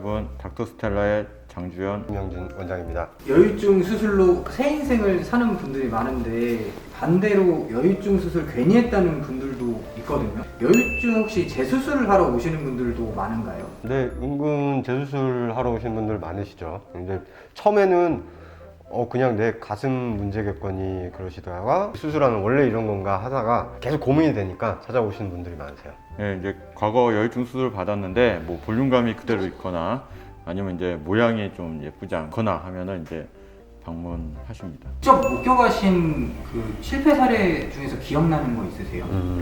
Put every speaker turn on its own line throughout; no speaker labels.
여러분, 닥터스텔라의 장주현,
김영진 원장입니다.
여유증 수술로 새 인생을 사는 분들이 많은데 반대로 여유증 수술 괜히 했다는 분들도 있거든요. 여유증 혹시 재수술을 하러 오시는 분들도 많은가요?
네, 은근 재수술 하러 오신 분들 많으시죠. 근데 처음에는 그냥 내 가슴 문제겠거니 그러시다가 수술하면 원래 이런 건가 하다가 계속 고민이 되니까 찾아오시는 분들이 많으세요.
네, 이제 과거 여유증 수술을 받았는데 뭐 볼륨감이 그대로 있거나 아니면 이제 모양이 좀 예쁘지 않거나 하면은 이제 방문하십니다.
직접 목격하신 그 실패 사례 중에서 기억나는 거 있으세요?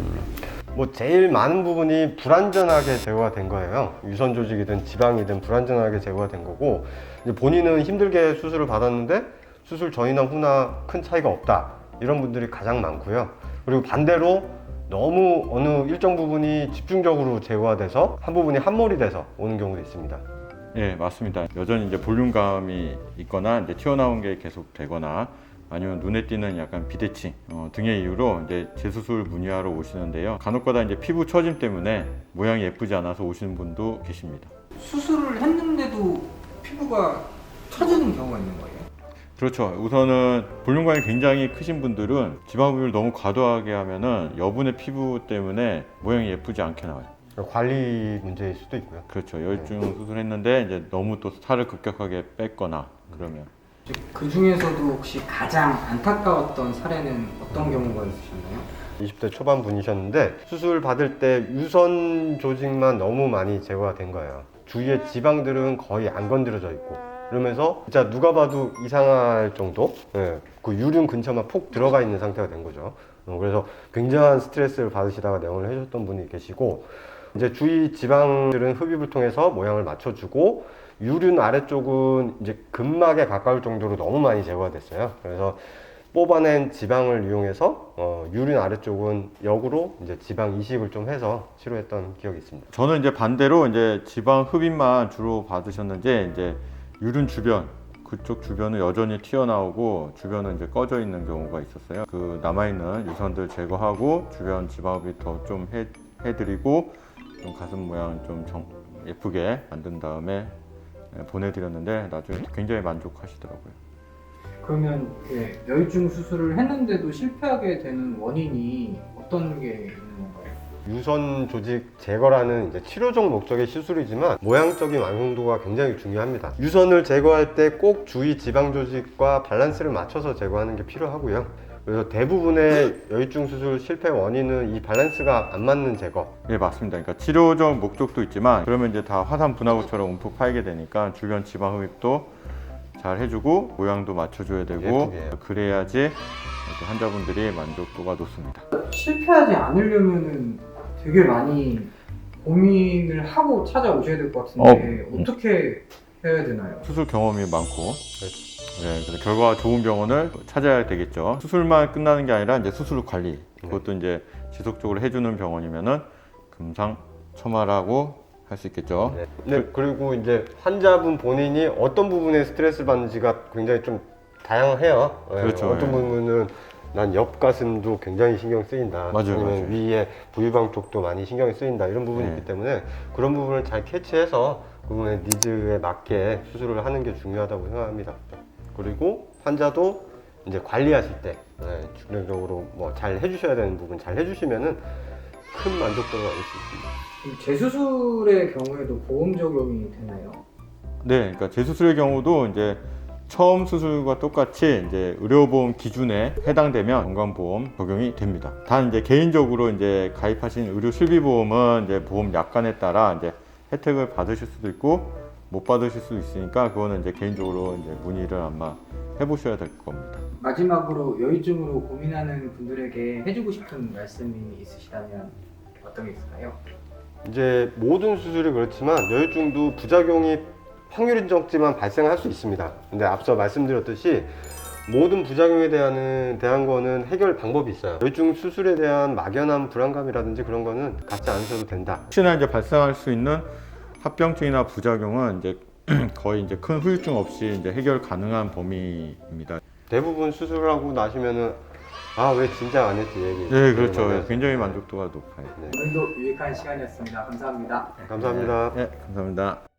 뭐 제일 많은 부분이 불완전하게 제거가 된 거예요. 유선 조직이든 지방이든 불완전하게 제거가 된 거고, 이제 본인은 힘들게 수술을 받았는데 수술 전이나 후나 큰 차이가 없다, 이런 분들이 가장 많고요. 그리고 반대로 너무 어느 일정 부분이 집중적으로 제거가 돼서 한 부분이 함몰이 돼서 오는 경우도 있습니다.
네, 맞습니다. 여전히 이제 볼륨감이 있거나 이제 튀어나온 게 계속 되거나 아니면 눈에 띄는 약간 비대칭 등의 이유로 이제 재수술 문의하러 오시는데요. 간혹가다 이제 피부 처짐 때문에 모양이 예쁘지 않아서 오시는 분도 계십니다.
수술을 했는데도 피부가 처지는 경우가 있는 거예요?
그렇죠. 우선은 볼륨감이 굉장히 크신 분들은 지방흡입을 너무 과도하게 하면은 여분의 피부 때문에 모양이 예쁘지 않게 나와요.
관리 문제일 수도 있고요.
그렇죠. 여유증 수술했는데 이제 너무 또 살을 급격하게 뺐거나 그러면.
그 중에서도 혹시 가장 안타까웠던 사례는 어떤 경우가 있으셨나요?
20대 초반 분이셨는데 수술 받을 때 유선 조직만 너무 많이 제거가 된 거예요. 주위의 지방들은 거의 안 건드려져 있고, 그러면서 진짜 누가 봐도 이상할 정도, 그 유륜 근처만 폭 들어가 있는 상태가 된 거죠. 그래서 굉장한 스트레스를 받으시다가 내원을 해주셨던 분이 계시고, 이제 주위 지방들은 흡입을 통해서 모양을 맞춰주고, 유륜 아래쪽은 이제 근막에 가까울 정도로 너무 많이 제거가 됐어요. 그래서 뽑아낸 지방을 이용해서 유륜 아래쪽은 역으로 이제 지방 이식을 좀 해서 치료했던 기억이 있습니다.
저는 이제 반대로 이제 지방 흡입만 주로 받으셨는지 이제 유륜 주변 그쪽 주변은 여전히 튀어나오고 주변은 이제 꺼져 있는 경우가 있었어요. 그 남아있는 유선들 제거하고 주변 지방 흡입 더 좀 해드리고 좀 가슴 모양 좀 예쁘게 만든 다음에 보내드렸는데 나중에 굉장히 만족하시더라고요.
그러면 여유증 수술을 했는데도 실패하게 되는 원인이 어떤 게 있는 건가요?
유선 조직 제거라는 이제 치료적 목적의 시술이지만 모양적인 완성도가 굉장히 중요합니다. 유선을 제거할 때 꼭 주위 지방 조직과 밸런스를 맞춰서 제거하는 게 필요하고요. 그래서 대부분의 여유증 수술 실패 원인은 이 밸런스가 안 맞는 제거.
예, 맞습니다. 그러니까 치료적 목적도 있지만 그러면 이제 다 화산 분화구처럼 움푹 파이게 되니까 주변 지방 흡입도 잘 해주고 모양도 맞춰줘야 되고
예쁘게.
그래야지 이렇게 환자분들이 만족도가 높습니다.
실패하지 않으려면은 되게 많이 고민을 하고 찾아오셔야 될 것 같은데 어떻게 해야 되나요?
수술 경험이 많고 그래서 결과가 좋은 병원을 찾아야 되겠죠. 수술만 끝나는 게 아니라 이제 수술 관리 그것도 이제 지속적으로 해주는 병원이면은 금상첨화라고 할 수 있겠죠.
네, 그리고 이제 환자분 본인이 어떤 부분에 스트레스를 받는지가 굉장히 좀 다양해요.
그렇죠.
어떤 부분은 난 옆 가슴도 굉장히 신경 쓰인다.
맞아요,
아니면
맞아요.
위에 부유방 쪽도 많이 신경이 쓰인다. 이런 부분이 있기 때문에 그런 부분을 잘 캐치해서 그분의 니즈에 맞게 수술을 하는 게 중요하다고 생각합니다. 그리고 환자도 이제 관리하실 때 중점적으로 뭐 잘 해주셔야 되는 부분 잘 해주시면은 큰 만족도를 얻을 수 있습니다.
재수술의 경우에도 보험 적용이 되나요?
네, 그러니까 재수술의 경우도 이제 처음 수술과 똑같이 이제 의료보험 기준에 해당되면 건강보험 적용이 됩니다. 단 이제 개인적으로 이제 가입하신 의료 실비보험은 이제 보험 약관에 따라 이제 혜택을 받으실 수도 있고 못 받으실 수도 있으니까 그거는 이제 개인적으로 이제 문의를 아마 해보셔야 될 겁니다.
마지막으로 여유증으로 고민하는 분들에게 해주고 싶은 말씀이 있으시다면 어떤 게 있을까요?
이제 모든 수술이 그렇지만 여유증도 부작용이 확률이 적지만 발생할 수 있습니다. 근데 앞서 말씀드렸듯이 모든 부작용에 대한 거는 해결 방법이 있어요. 여유증 수술에 대한 막연한 불안감이라든지 그런 거는 갖지 않으셔도 된다.
혹시나 이제 발생할 수 있는 합병증이나 부작용은 이제 거의 이제 큰 후유증 없이 이제 해결 가능한 범위입니다.
대부분 수술을 하고 나시면은 왜 진작 안 했지 얘기.
네, 그렇죠. 굉장히 만족도가 높아요.
오늘도 유익한 시간이었습니다. 감사합니다.
감사합니다.
네, 감사합니다.